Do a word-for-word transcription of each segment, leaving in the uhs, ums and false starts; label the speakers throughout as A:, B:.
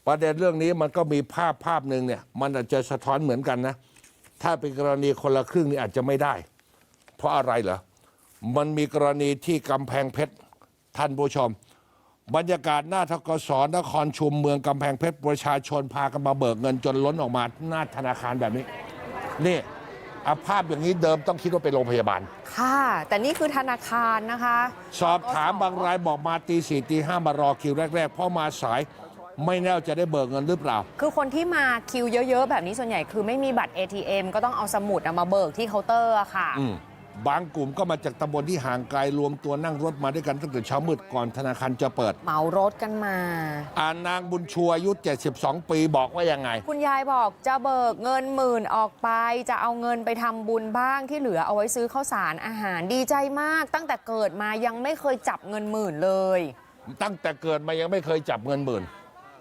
A: ประเด็นเรื่องนี้มันก็มีภาพภาพหนึ่งเนี่ยมันอาจจะสะท้อนเหมือนกันนะถ้าเป็นกรณีคนละครึ่งนี่อาจจะไม่ได้เพราะอะไรเหรอมันมีกรณีที่กำแพงเพชรท่านผู้ชมบรรยากาศหน้าธกสนครชุมเมืองกำแพงเพชรประชาชนพากันมาเบิกเงินจนล้นออกมาหน้าธนาคารแบบนี้นี่อาภาพอย่างนี้เดิมต้องคิดว่าเป็นโรงพยาบาล
B: ค่ะแต่นี่คือธนาคารนะคะ
A: สอบถามบางรายบอกมาตีสี่ตีห้ามารอคิวแรกๆเพราะมาสายไม่แน่จะได้เบิกเงินหรือเปล่า
B: คือคนที่มาคิวเยอะๆแบบนี้ส่วนใหญ่คือไม่มีบัตร เอ ที เอ็ม ก็ต้องเอาสมุดมาเบิกที่เคาน์เตอร์ค่ะ
A: บางกลุ่มก็มาจากตำบลที่ห่างไกลรวมตัวนั่งรถมาด้วยกันตั้งแต่เช้ามืดก่อนธนาคารจะเปิด
B: เหมารถกันมา
A: อ่านางบุญชัวอายุเจ็ดสิบสองปีบอกว่ายังไง
B: คุณยายบอกจะเบิกเงินหมื่นออกไปจะเอาเงินไปทำบุญบ้างที่เหลือเอาไว้ซื้อข้าวสารอาหารดีใจมากตั้งแต่เกิดมายังไม่เคยจับเงินหมื่นเลย
A: ตั้งแต่เกิดมายังไม่เคยจับเงินหมื่น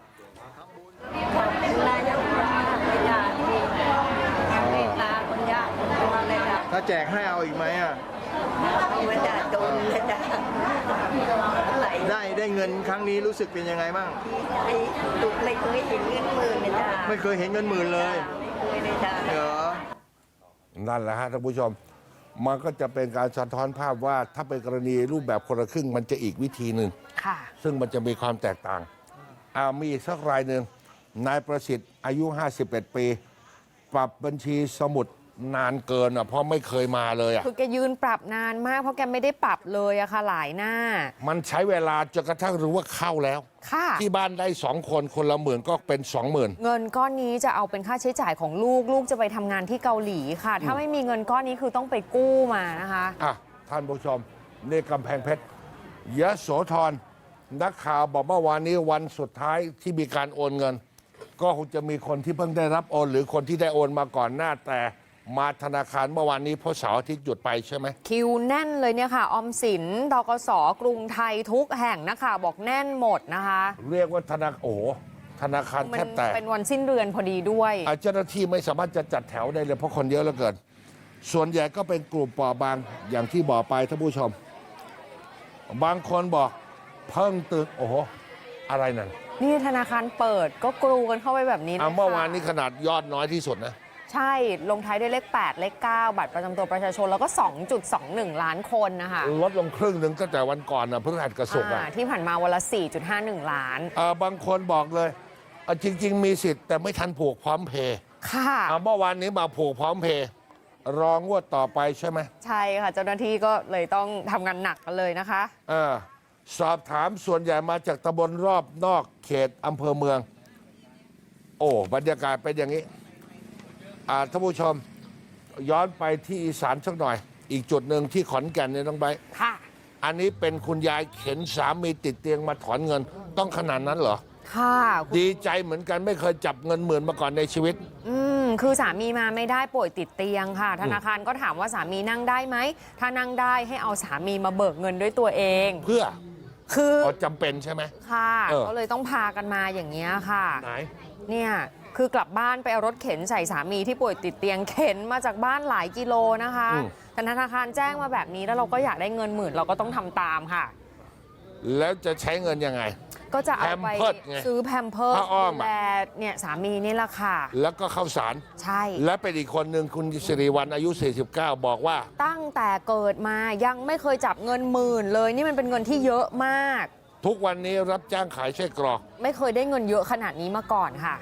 C: ถ้าแจกให้เอาอีกไหมอ่ะ
D: ไม่ได้โดนเลยจ้ะ
C: ได้ได้เงินครั้งนี้รู้สึกเป็นยังไงบ้าง
D: ตุกไม่เคยเห็นเงินหมื่นเลยจ้ะ
C: ไม่เคยเห็นเงินหมื่นเลย
D: ไม่เคยเลยจ้ะ
C: เหรอ
A: นั่นแหละฮะท่านผู้ชมมันก็จะเป็นการสะท้อนภาพว่าถ้าเป็นกรณีรูปแบบคนละครึ่งมันจะอีกวิธีหนึ่งซึ่งมันจะมีความแตกต่างอามีอีกสักรายหนึ่งนายประสิทธิ์อายุห้าสิบเอ็ดปีปรับบัญชีสมุดนานเกินอ่ะเพราะไม่เคยมาเลยอ่ะ
B: คือแกยืนปรับนานมากเพราะแกไม่ได้ปรับเลยอะค่ะหลายหน้า
A: มันใช้เวลาจนกระทั่งรู้ว่าเข้าแล้ว
B: ค่ะ
A: ที่บ้านได้สองคนคนละหมื่นก็เป็นสองหมื่น
B: เงินก้อนนี้จะเอาเป็นค่าใช้จ่ายของลูกลูกจะไปทำงานที่เกาหลีค่ะถ้าไม่มีเงินก้อนนี้คือต้องไปกู้มานะคะ
A: อ่ะท่านผู้ชมนี่กำแพงเพชรยโสธรนักข่าวบอกเมื่อวานนี้วันสุดท้ายที่มีการโอนเงินก็คงจะมีคนที่เพิ่งได้รับโอนหรือคนที่ได้โอนมาก่อนหน้าแต่มาธนาคารเมื่อวานนี้เพราะเสาร์อาทิตย์หยุดไปใช่ไหม
B: คิวแน่นเลยเนี่ยค่ะออมสินธกสกรุงไทยทุกแห่งนะคะบอกแน่นหมดนะคะ
A: เรียกว่าธนาโอ้ธนาคารแทบแตก
B: เป็นวันสิ้นเดือนพอดีด้วย
A: เจ้าหน้าที่ไม่สามารถจะจัดแถวได้เลยเพราะคนเยอะเหลือเกินส่วนใหญ่ก็เป็นกลุ่มเปราะบางอย่างที่บอกไปท่านผู้ชมบางคนบอกเพิ่งตื่นโอ้โหอะไรนั่น
B: นี่ธนาคารเปิดก็กรูกันเข้าไปแบบนี้
A: เลยเมื่อวานนี้ขนาดยอดน้อยที่สุดนะ
B: ใช่ลงท้ายด้วยเลขแปดเลขเก้าบัตรประจำตัวประชาชนแล้วก็ สองจุดสองหนึ่ง ล้านคนนะคะ
A: ลดลงครึ่งหนึ่งตั้งแต่วันก่อนนะเพิ่งหัดกระสุกอ่ะ
B: ที่ผ่านมาวันละ สี่จุดห้าหนึ่ง ล้าน
A: อ่าบางคนบอกเลยจริงๆมีสิทธิ์แต่ไม่ทันผูกพร้อมเพย์
B: ค่ะ
A: เมื่อวานนี้มาผูกพร้อมเพย์รองงวดต่อไปใช่ไหม
B: ใช่ค่ะเจ้าหน้าที่ก็เลยต้องทำงานหนักกันเลยนะคะ
A: อ่าสอบถามส่วนใหญ่มาจากตำบลรอบนอกเขตอำเภอเมืองโอ้บรรยากาศเป็นอย่างนี้ท่านผู้ชมย้อนไปที่อีสานสักหน่อยอีกจุดหนึ่งที่ขอนแก่นเนี่ยน้องใบ
B: ค่ะ
A: อันนี้เป็นคุณยายเข็นสามีติดเตียงมาถอนเงินต้องขนาดนั้นเหรอ
B: ค่ะ
A: ดีใจเหมือนกันไม่เคยจับเงินหมื่นมาก่อนในชีวิต
B: อืมคือสามีมาไม่ได้ป่วยติดเตียงค่ะธนาคารก็ถามว่าสามีนั่งได้ไหมถ้านั่งได้ให้เอาสามีมาเบิกเงินด้วยตัวเอง
A: เพื่อ
B: คือ
A: จำเป็นใช่ไหม
B: ค่ะก็เลยต้องพากันมาอย่างเงี้ยค่ะ
A: ไหน
B: เนี่ยคือกลับบ้านไปเอารถเข็นใส่สามีที่ป่วยติดเตียงเข็นมาจากบ้านหลายกิโลนะคะแต่ธนาคารแจ้งมาแบบนี้แล้วเราก็อยากได้เงินหมื่นเราก็ต้องทำตามค่ะ
A: แล้วจะใช้เงินยังไง
B: ก็จะเอาไปซื้อแพมเพิร์สดูแลเนี่ยสามีนี่แหละค่ะ
A: แล้วก็ข้าวสาร
B: ใช่
A: และเป็นอีกคนหนึ่งคุณสิริวัลย์อายุสี่สิบเก้าบอกว่า
B: ตั้งแต่เกิดมายังไม่เคยจับเงินหมื่นเลยนี่มันเป็นเงินที่เยอะมาก
A: ทุกวันนี้รับจ้างขายไส้กรอก
B: ไม่เคยได้เงินเยอะขนาดนี้มาก่อนค่ะ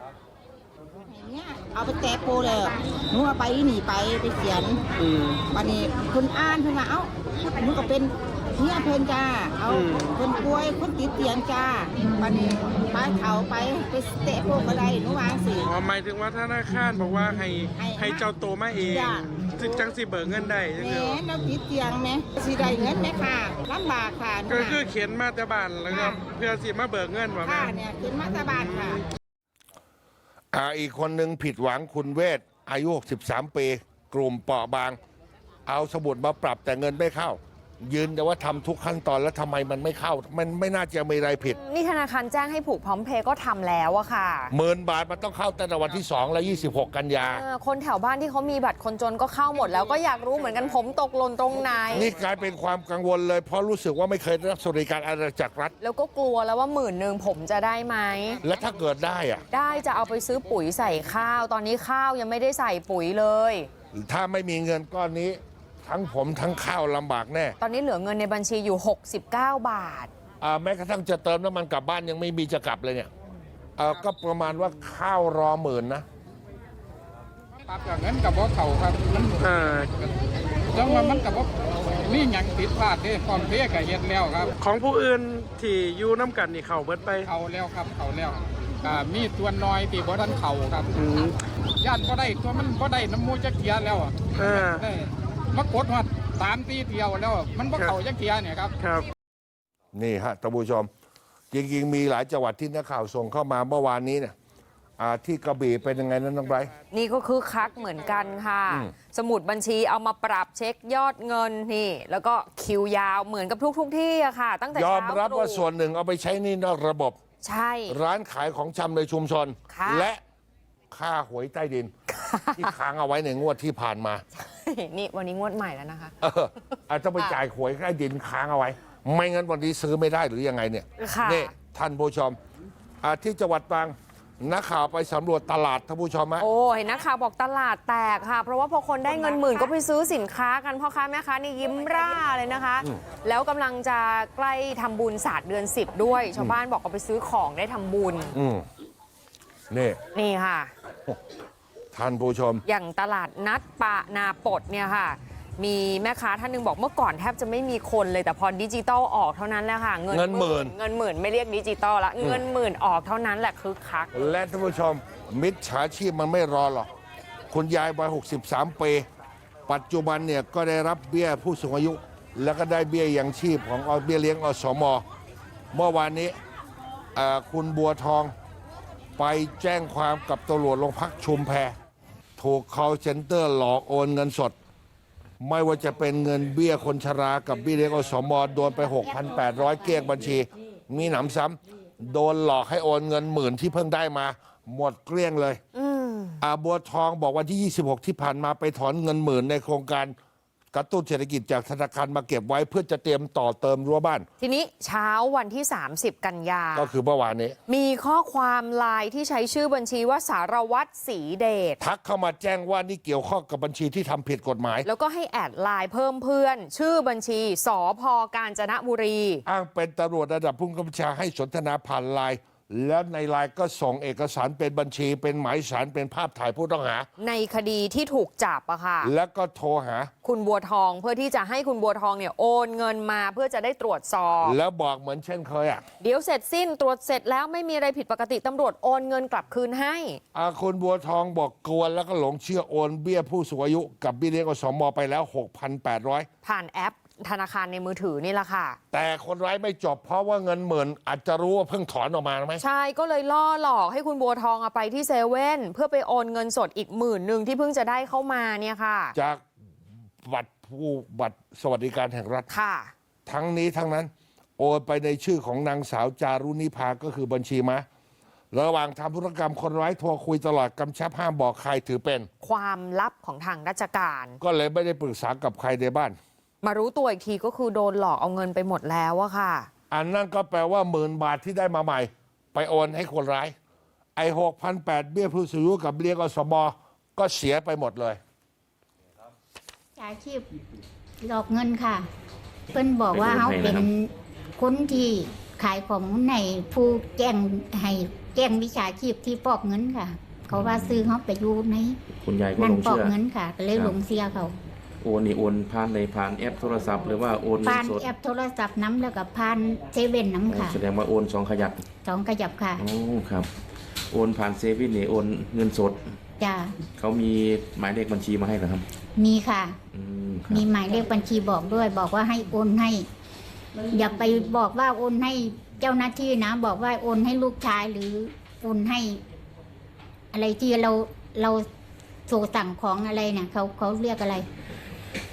E: เอาไปแตะโปเลยหนูเอาไปหนีไปไปเขียนวันนี้คุณอ่านเพิ่นมาเอ้าหนูก็เป็นเนี่ยเพิ่นจ้าเอาคนป่วยคนติดเตียงจ้าวันนี้ไปเขาไปไปแตะโปก็ได้หนูวางสิ
F: อ๋อหมายถึงว่าธนาคารบอกว่าให้ให้เจ้าโตมาเองจึงจังสิเบิกเงินได้
E: แม่เราติดเตียงไหมสิได้เงินไหมค่ะลำบากค่ะ
F: ก็คือเขียนมาแต่บ้านแล้วก็เพื่อสิมาเบิกเงินว่าแม่
E: ค่ะเนี่ยเขียนมาแต่บ้านค่ะ
A: อ่าอีกคนหนึ่งผิดหวังคุณเวทอายุหกสิบสามปีกลุ่มเปราะบางเอาสมุดมาปรับแต่เงินไม่เข้ายืนแต่ว่าทำทุกขั้นตอนแล้วทำไมมันไม่เข้า มันไม่น่าจะมีอะไรผิด
B: นี่ธนาคารแจ้งให้ผูกพร้อมเพย์ก็ทำแล้วอะค่ะ
A: หมื่นบาทมันต้องเข้าตั้งแต่วันที่สองและยี่สิบหกกันยา
B: เออคนแถวบ้านที่เขามีบัตรคนจนก็เข้าหมดแล้วก็อยากรู้เหมือนกันผมตกหล่นตรงไหน
A: นี่กลายเป็นความกังวลเลยเพราะรู้สึกว่าไม่เคยได้รับสวัสดิการอะไรจากรัฐ
B: แล้วก็กลัวแล้วว่าหมื่นหนึ่งผมจะได้ไหม
A: และถ้าเกิดได้อะ
B: ได้จะเอาไปซื้อปุ๋ยใส่ข้าว ตอนนี้ข้าวยังไม่ได้ใส่ปุ๋ยเลย
A: ถ้าไม่มีเงินก้อนนี้ ทั้งผมทั้งข้าวลำบากแน่
B: ตอนนี้เหลือเงินในบัญชีอยู่หกสิบเก้าบาท
A: อ่าแม้กระทั่งจะเติมน้ำมันกลับบ้านยังไม่มีจะกลับเลยเนี่ยเอ่อก็ประมาณว่าข้าวรอหมื่นนะ
G: ตัดกับเงินกับบ่เขาครับมัน
F: อ่า
G: แล้วมันมันกับบ่มีหยังผิดพลาดเด้ความเพก็เฮ็ดแล้วครับ
F: ของผู้อื่นที่อยู่น้ำกันนี่เขาเบิดไป
G: เขาแล้วครับเขาแล้วอ่ามีตัวน้อยที่บ่ทันเขาครับ
F: อืม
G: ญาติบ่ได้ตัวมันบ่ได้น้ำมูกจักเทียแล้วอะ
F: อ่า
G: ได้มากดฮอดสามตีเที่ยวแล้ว มันบ่เข้าจักเทียเนี่ยครับ
F: ครับ
A: นี่ฮะท่านผู้ชม จริงๆ มีหลายจังหวัดที่นักข่าวส่งเข้ามาเมื่อวานนี้เนี่ยอ่าที่กระบี่เป็นยังไงนั้นน้องไบรท์
B: นี่ก็คือคักเหมือนกันค่ะ
A: อืม
B: สมุดบัญชีเอามาปรับเช็คยอดเงินนี่ แล้วก็คิวยาวเหมือนกับทุกทุกๆที่อะค่ะ ตั้งแต่
A: ยอ
B: เช้าม
A: รับ
B: ตรู่
A: ว่าส่วนหนึ่งเอาไปใช้หนี่นอกระบบ
B: ใช่
A: ร้านขายของชำในชุมชน
B: ค่ะ
A: และค่าหวยใต้ดิน ที่ค้างเอาไว้ในงวดที่ผ่านมา
B: นี่วันนี้งวดใหม่แล้วนะคะ
A: เอออาจจะไปจ่ายหวยใต้ดินค้างเอาไว้ ไม่งั้นวันนี้ซื้อไม่ได้หรือยังไงเนี่ย
B: ค่ะ
A: นี่ท่านผู้ชมอ่าที่จังหวัดตรังนักข่าวไปสำรวจตลาดท่านผู้ชมฮะ
B: โอ้เห็นนักข่าวบอกตลาดแตกค่ะ เพราะว่าพอคนได้เงินหมื่นก็ไปซื้อสินค้ากันพ่อค้าแม่ค้านี่ยิ้มร่าเลยนะคะ แล้วกำลังจะใกล้ทำบุญศาสตร์เดือนสิบด้วย ชาวบ้านบอกเอาไปซื้อของได้ทำบุญ
A: อืมนี่
B: นี่ค่ะ
A: ท่านผู้ชม
B: อย่างตลาดนัดปะนาปดเนี่ยค่ะ มีแม่ค้าท่านหนึงบอกเมื่อก่อนแทบจะไม่มีคนเลยแต่พอดิจิตอลออกเท่านั้นแหละค่ะ
A: เงินหมื่น
B: เงินหมื่นไม่เรียกดิจิตอลละเงินหมื่นออกเท่านั้นแหละคือคัก
A: และท่านผู้ชม มิจฉาชีพมันไม่รอหรอกคุณยายวัยหกสิบสามปีปัจจุบันเนี่ยก็ได้รับเบี้ยผู้สูงอายุ แล้วก็ได้เบี้ยยังชีพของอเบี้ยเลี้ยงอสมเมื่อวานนี้เอ่อคุณบัวทองไปแจ้งความกับตำรวจโรงพักชุมแพถูก call center หลอกโอนเงินสด ไม่ว่าจะเป็นเงินเบี้ยคนชรากับเบี้ยเลี้ยงอสมโดนไป หกพันแปดร้อย เกลี้ยงบัญชี มีหนำซ้ำโดนหลอกให้โอนเงินหมื่นที่เพิ่งได้มา หมดเกลี้ยงเลยอาบัวทองบอกวันที่ ยี่สิบหก ที่ผ่านมาไปถอนเงินหมื่นในโครงการกระตุ้นเศรษฐกิจจากธนาคารมาเก็บไว้เพื่อจะเตรียมต่อเติมรั้วบ้าน
B: ทีนี้เช้าวันที่ สามสิบ กันยา
A: ก็คือเมื่อวานนี้
B: มีข้อความไลน์ที่ใช้ชื่อบัญชีว่าสารวัตรศรีเดช
A: ทักเข้ามาแจ้งว่านี่เกี่ยวข้องกับบัญชีที่ทำผิดกฎหมาย
B: แล้วก็ให้แอดไลน์เพิ่มเพื่อน ชื่อบัญชีสพกาญจนบุรี
A: อ้างเป็นตำรวจระดับผู้กำกับชาให้สนทนาผ่านไลน์แล้วในไลน์ก็ส่งเอกสารเป็นบัญชี เป็นหมายสารเป็นภาพถ่ายผู้ต้องหา
B: ในคดีที่ถูกจับอะค่ะ
A: แล้วก็โทรหา
B: คุณบัวทองเพื่อที่จะให้คุณบัวทองเนี่ยโอนเงินมาเพื่อจะได้ตรวจสอบ
A: แล้วบอกเหมือนเช่นเคยอ่ะ
B: เดี๋ยวเสร็จสิ้นตรวจเสร็จแล้วไม่มีอะไรผิดปกติตำรวจโอนเงินกลับคืนให้
A: อาคุณบัวทองบอกกวนแล้วก็หลงเชื่อโอนเบี้ยผู้สูงอายุกับเบี้ยเลี้ยงอสมไปแล้ว หกพันแปดร้อย
B: ผ่านแอปธนาคารในมือถือนี่แหละค่ะ
A: แต่คนร้ายไม่จบเพราะว่าเงินหมื่นอาจจะรู้ว่าเพิ่งถอนออกมาไหม
B: ใช่ก็เลยล่อหลอกให้คุณบัวทองเอาไปที่เซเว่นเพื่อไปโอนเงินสดอีกหมื่นหนึ่งที่เพิ่งจะได้เข้ามาเนี่ยค่ะ
A: จากบัตรผู้บัตรสวัสดิการแห่งรัฐ
B: ค่ะ
A: ทั้งนี้ทั้งนั้น โอนไปในชื่อของนางสาวจารุณิภาก็คือบัญชีม้าระหว่างทำธุรกรรมคนร้ายโทรคุยตลอดกำชับห้ามบอกใครถือเป็น
B: ความลับของทางราชการ
A: ก็เลยไม่ได้ปรึกษากับใครในบ้าน
B: มารู้ตัวอีกทีก็คือโดนหลอกเอาเงินไปหมดแล้วอะค่ะ
A: อันนั้นก็แปลว่าหมื่นบาทที่ได้มาใหม่ ไปโอนให้คนร้าย ไอ้หกพันแปดเบี้ยผู้สูงอายุกับเลี้ยงอสมก็เสียไปหมดเลย
H: อาชีพหลอกเงินค่ะ เพิ่นบอกว่าเขาเป็นคนที่ขายของในผู้แจ้งให้แจ้งวิชาชีพที่ฟอกเงินค่ะ เขาว่าซื้อเขาไปอยู่ใน
I: คุณยายก็
H: นั่
I: ห
H: น
I: ลง
H: ฟอก
I: เชื่อ
H: เงินค่ะ ก็เลยหลงเสียเขา
I: โอนนี่โอนผ่านในผ่านแอปโทรศัพท์หรือว่าโอนเงิ
H: ผ่าน น
I: สด
H: แอปโทรศัพท์น้ำแล้วก็ผ่านเซเว่นน้ำค่ะ
I: แสดงว่าโอนสองขยัก
H: สองกระจับค่ะ
I: อ๋อครับ โอนผ่านเซฟินนี่โอนเงินสด
H: จ้า
I: เขามีหมายเลขบัญชีมาให้เหรอครับ
H: มีค่ะ
I: อืมครับ
H: มีหมายเลขบัญชีบอกด้วย บอกว่าให้โอนให้ อย่าไปบอกว่าโอนให้เจ้าหน้าที่นะ บอกว่าโอนให้ลูกชายหรือโอนให้ อะไรที่เราเราโทรสั่งของอะไรเนี่ยเขาเขาเรียกอะไร
I: สั่ง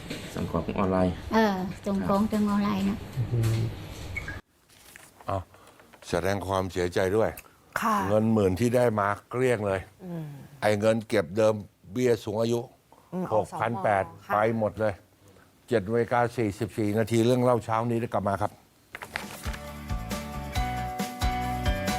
I: ของออนไลน์
H: เออส่งของทางออนไลน์นะ
A: เอาแสดงความเสียใจด้วย
B: ค่ะ
A: เงินหมื่นที่ได้มาเกลี้ยงเลย ไอ้เงินเก็บเดิมเบี้ยสูงอายุ
B: อืม
A: หกพันแปด
B: ค่ะ
A: ไปหมดเลยเจ็ดนาฬิกาสี่สิบสี่นาทีเรื่องเล่าเช้านี้ได้กลับมาครับ